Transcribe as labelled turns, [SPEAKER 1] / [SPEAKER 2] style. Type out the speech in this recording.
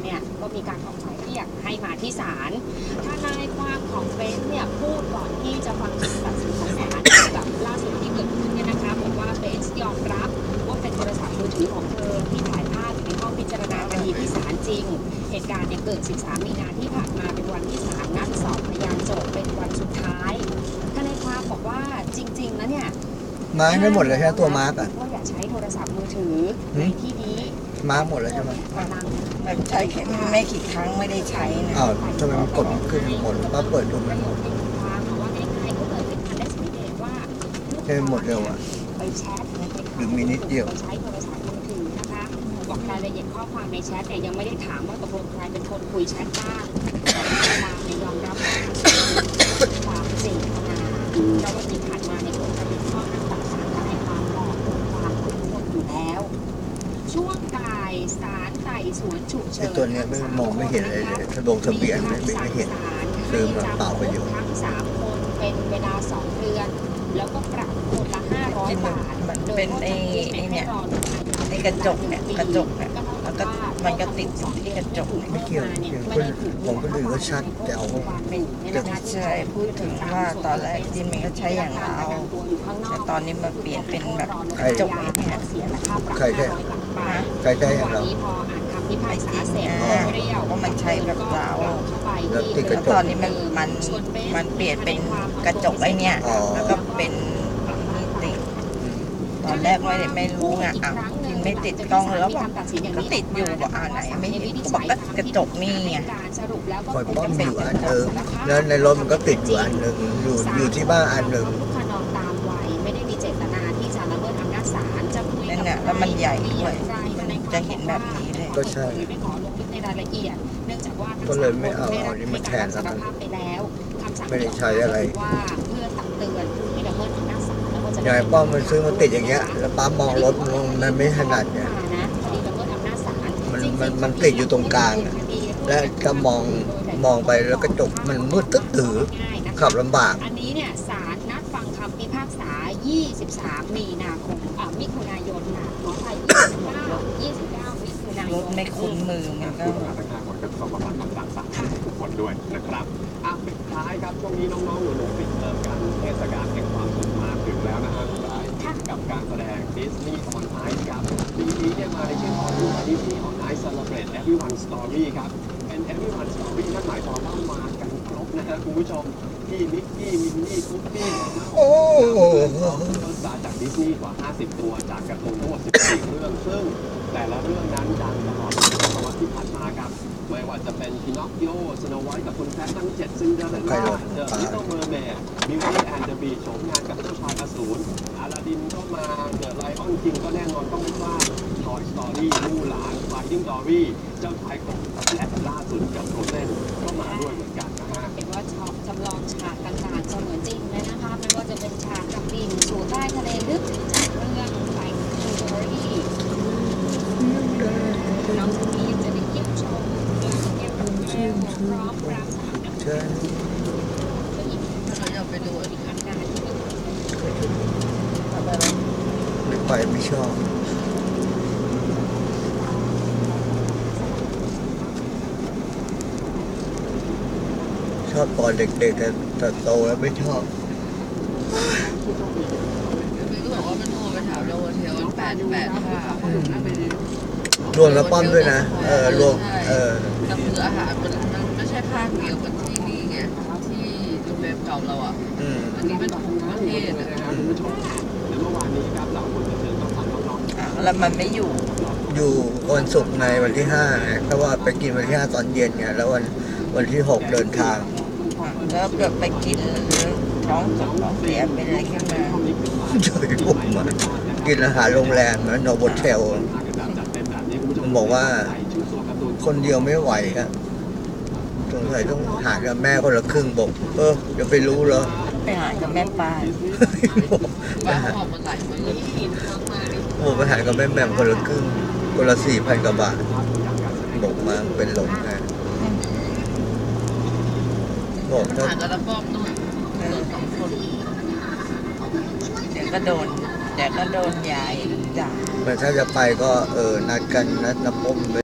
[SPEAKER 1] เนี่ยก็มีการออกหมายเรียกให้มาที่ศาลทนายความของเบนซ์เนี่ยพูดก่อนที่จะฟังคำตัดสินของศาลกับล่าสุดที่เกิดขึ้นเนี่ยนะคะบอกว่าเบนซ์ยอมรับว่าเป็นโทรศัพท์มือถือของเธอที่ถ่ายภาพอยู่ในห้องพิจารณาคดีที่ศาลจริงเหตุการณ์เนี่ยเกิด 13 มีนาที่ผ่านมาเป็นวันที่ศาลนัดสอบพยานโจทย์เป็นวันสุดท้ายทนายความบอกว่าจริงๆแล้วเนี่ย
[SPEAKER 2] มาร์กได้หมดเลยใช่ไหมตัวมาร์กอ่ะ
[SPEAKER 1] ก็อย่าใช้โทรศัพท์มือถือในที่นี้
[SPEAKER 2] มาร์กหมดเลยใช่ไหม
[SPEAKER 3] มันใช้แค่ไม่กี่ครั้งไม่ได้ใช้นะ
[SPEAKER 2] อ้าวทำไมมันกดขึ้นหมดมาเปิดดูมันหมดใช่หมดเร็วอ่ะ
[SPEAKER 1] ไปแชท
[SPEAKER 2] หรือมีนิดเดียว
[SPEAKER 1] ใช้โทรศัพท์มือถือนะคะบอกรายละเอียดข้อความในแชทเนี่ยยังไม่ได้ถามว่าตกลงใครเป็นคนคุยแชทบ้างแต่ความในยอมรับความเจตนาเพราะว่าที่ผ่านมาในกฎระเบียบข้อห้ามต่างๆในความหลอกลวงความคุ้มครองอยู่แล้วช่วงบ่ายศาลไต่สวนฉุกเฉิน
[SPEAKER 2] ตัวนี้ไม่มองไม่เห็นเลยทะเบียนไม่เห็นคือมันเปล่าประโยชน์
[SPEAKER 1] ทั้ง3 คนเป็นเวลา2 เดือนแล้วก็ปรับคนละ500 บาท
[SPEAKER 3] มันเป็นไอ้เนี่ยไอ้กระจกเนี่ยกระจกเนี่ยแล้วก็มันก็ติดอยู่ที่กระจก
[SPEAKER 2] ไม่เกี่ยวผมก็ดูว่าชัดแต่เอา
[SPEAKER 3] ใช่พูดถึงว่าตอนแรกที่มันก็ใช้อย่างเราแต่ตอนนี้มาเปลี่ยนเป็นแบบกระจกเนี่ย
[SPEAKER 2] ใครได้อย่างเรา
[SPEAKER 3] ไม่ติดว่ามันใช้แบบเราแล้วตอนนี้มันเปลี่ยนเป็นกระจกไอ้เนี่ยแล้วก็เป็นติดตอนแรกไม่รู้ไงกินไม่ติดกล้องแล้วบอกก็ติดอยู่บอกไหนไม่เห็นบอกก็กระจกนี่ไง
[SPEAKER 2] คอยป้อมอยู่อันนึงแล้วในรถมันก็ติดอยู่อันนึงอยู่ที่บ้านอันนึง
[SPEAKER 1] ไม่ได้มีเจตนาที่จะละเมิดอำนาจศาลจะคุยกับ
[SPEAKER 3] แล้วมันใหญ่ด้วยจะเห็นแบบนี้เลย
[SPEAKER 2] ก็ใช่
[SPEAKER 1] ไม่ขอลงลึกในรายละเอียดเนื่องจากว่า
[SPEAKER 2] ก็เลยไม่เอาอันนี้มาแทนแล้วกันไม่ได้ใช้อะไร
[SPEAKER 1] ว่าเพื่อตักเตือนผู้ที่ละเมิดอำนาจศาลแล้วก็จะ
[SPEAKER 2] อย่างป้อมมันซื้อมันติดอย่างเงี้ยแล้วป้ามองรถมันไม่ถนัดเนี่ยมันติดอยู่ตรงกลางและก็มองไปแล้วกระจกมันมืดตึ๊ดตื้อขับลำบาก
[SPEAKER 1] อันนี้เนี่ยศาลนัดฟังคำพิพากษา 23 มีนาคมมิถุนายนขออภัย29 มิถุนายน
[SPEAKER 3] รถไม่คุ้นมือมันก็
[SPEAKER 4] ประชาชนก็ต้องระมัดระวังศาลทุกคนด้วยนะครับปิดท้ายครับช่วงนี้น้องๆหนูๆปิดเทอมกันเทศกาลแห่งความสุขมาถึงแล้วนะฮะกับการแสดง Disney on Ice ครับปีนี้เนี่ยมาในชื่อของ Disney on Ice Celebrate Everyone Story ครับเป็น Everyone Story นั่นหมายความว่ามากันครบนะฮะคุณผู้ชมพี่มิกกี้มินนี่คุกกี้
[SPEAKER 2] โอ้
[SPEAKER 4] จากดิสนีย์กว่า50 ตัวจากการ์ตูนทั้งหมด14 เรื่องซึ่งแต่ละเรื่องนั้นดังตลอดศตวรรษที่ผ่านมาครับไม่ว่าจะเป็นพินอคคิโอสโนไวท์กับคุณแพททั้ง7ซินเดอเรลล่าเดอะลิตเติ้ลเมอร์เมดบิวตี้แอนด์เดอะบีสต์โฉมงานกับเจ้าชายอสูรอาลาดินก็มาเดอะไลออนคิงก็แน่นอนต้องไม่พลาดทอยสตอรี่มู่หลานไฟดิ้งดอรี่เจ้าชายกบและล่าสุดกับโรเซนก็มาด้วยเหมือนกันนะฮะ
[SPEAKER 1] เห็นว่าจำลองฉากต่างๆเสมือนจริงเลยนะคะไม่ว่าจะเป็นฉากกับบินสู่ใต้ทะเลลึกจากเรื่องไฟดิ้งดอรี่น้องจะมีจะได้เยี่ยมชมเยี่ยมชมพร้อมรำสามน้ำก็อีกเราจะไปดูอีกอันการที่
[SPEAKER 2] ไม่ไปไม่ชอบชอบตอนเด็กๆแต่โตแล้วไม่ชอบ
[SPEAKER 3] ก็บอกว่ามันโทรไปถามเราเทล88ค่ะ
[SPEAKER 2] รวมแล้วป้อมด้วยนะรวม
[SPEAKER 3] แต่คืออาหารมันไม่ใช่ภาคเดียวกับที่นี่ไงที่โรงแรมเก่าเราอันนี้เป็นของประเทศ
[SPEAKER 4] นะครับคุณผู้ชมและเมื่อวานนี้ครับเราคนบันเทิงก็ทำน้อง
[SPEAKER 3] ๆแล้วมันไม่อยู่
[SPEAKER 2] วันศุกร์ในวันที่5เพราะว่าไปกินวันที่5ตอนเย็นเนี่ยแล้ววันที่6เดินทาง
[SPEAKER 3] แล้วเกิดไปกินท้องเสียเป็นอะไรขึ้นมา
[SPEAKER 2] เฉยผมมากินอาหารโรงแรมนะโนโบเทลมันบอกว่าคนเดียวไม่ไหวครับสงสัยต้องหากับแม่คนละครึ่งบอกเดี๋ยวไปรู้เหรอ
[SPEAKER 3] ไปหากับแม่ป้าป้าออกมาหลายคนเลย
[SPEAKER 2] ไปหากับแม่แม่คนละครึ่งคนละ4,000 กว่าบาทบอกมาเป็นหลงนะบอก
[SPEAKER 3] ถ้าหากับละป้อมนู่น2 คนเดี๋ยวก็โดนยายด่า
[SPEAKER 2] ถ้าจะไปก็นัดกันนัดน้ำป้ม